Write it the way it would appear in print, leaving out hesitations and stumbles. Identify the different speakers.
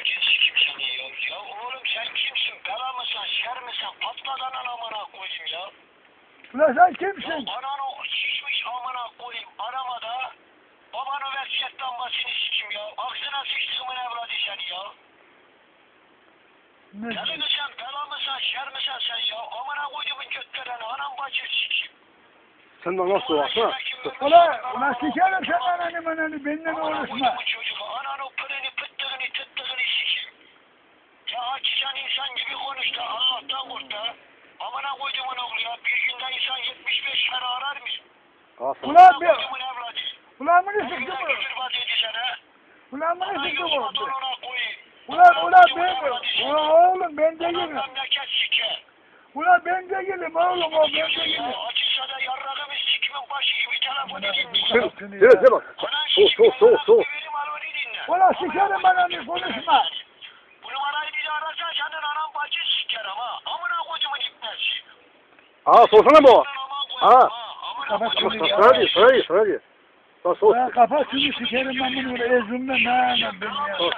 Speaker 1: bacın sikim seni ya. Ya oğlum sen kimsin? Bela mısın? Şer misin? Patladan amına koyayım ya.
Speaker 2: Ulan sen kimsin?
Speaker 1: Ya ananı şişmiş amına koyayım. Arama da babanı versiyet lambasını sikim ya. Aksına sıçtığımın evladı seni ya.
Speaker 2: Ne?
Speaker 1: Deli misin? Bela mısın? Şer misin sen ya? Amına koyduğumun götlerini anam bacın sikim.
Speaker 3: Sen de nasıl baksana?
Speaker 2: Ulan sikerim sen ananı benimle uğraşma.
Speaker 1: Ananı pırını pıttığını tıttığını sikim. Ya açacaksın insan gibi konuş da Allah'tan kork da. Amına koyduğumun oğlu ya. Bir günde insan 75 kere arar mı?
Speaker 2: Ulan bir.
Speaker 1: Koyduğumun evladı.
Speaker 2: Ulan bunu
Speaker 1: Bir
Speaker 2: sıktı
Speaker 1: günde
Speaker 2: bu.
Speaker 1: küfür vaat edeceksin ha.
Speaker 2: Ulan bunu
Speaker 1: Ana
Speaker 2: sıktı
Speaker 1: yoluma
Speaker 2: bu.
Speaker 1: donuna koyayım.
Speaker 2: Ulan ben. Ulan oğlum ben değilim.
Speaker 1: Memleket sike.
Speaker 2: Ulan ben değilim oğlum o ben değilim.
Speaker 1: Ya açılsa da yarrağımı sikimin başı gibi telefon edeyim.
Speaker 3: Nereye bak. Soğuk.
Speaker 2: Ulan sikerim ananı konuşma.
Speaker 1: Bu numarayı bir daha ararsan senin anan bacın siker ama. Amına koyduğumun ipnesi.
Speaker 3: Sorsana bu.
Speaker 2: Kapat şunu ya.
Speaker 3: Sana diyor. Lan sor.
Speaker 2: Kapat şunu sikerim ben bunu ezimle. Ne ben ya.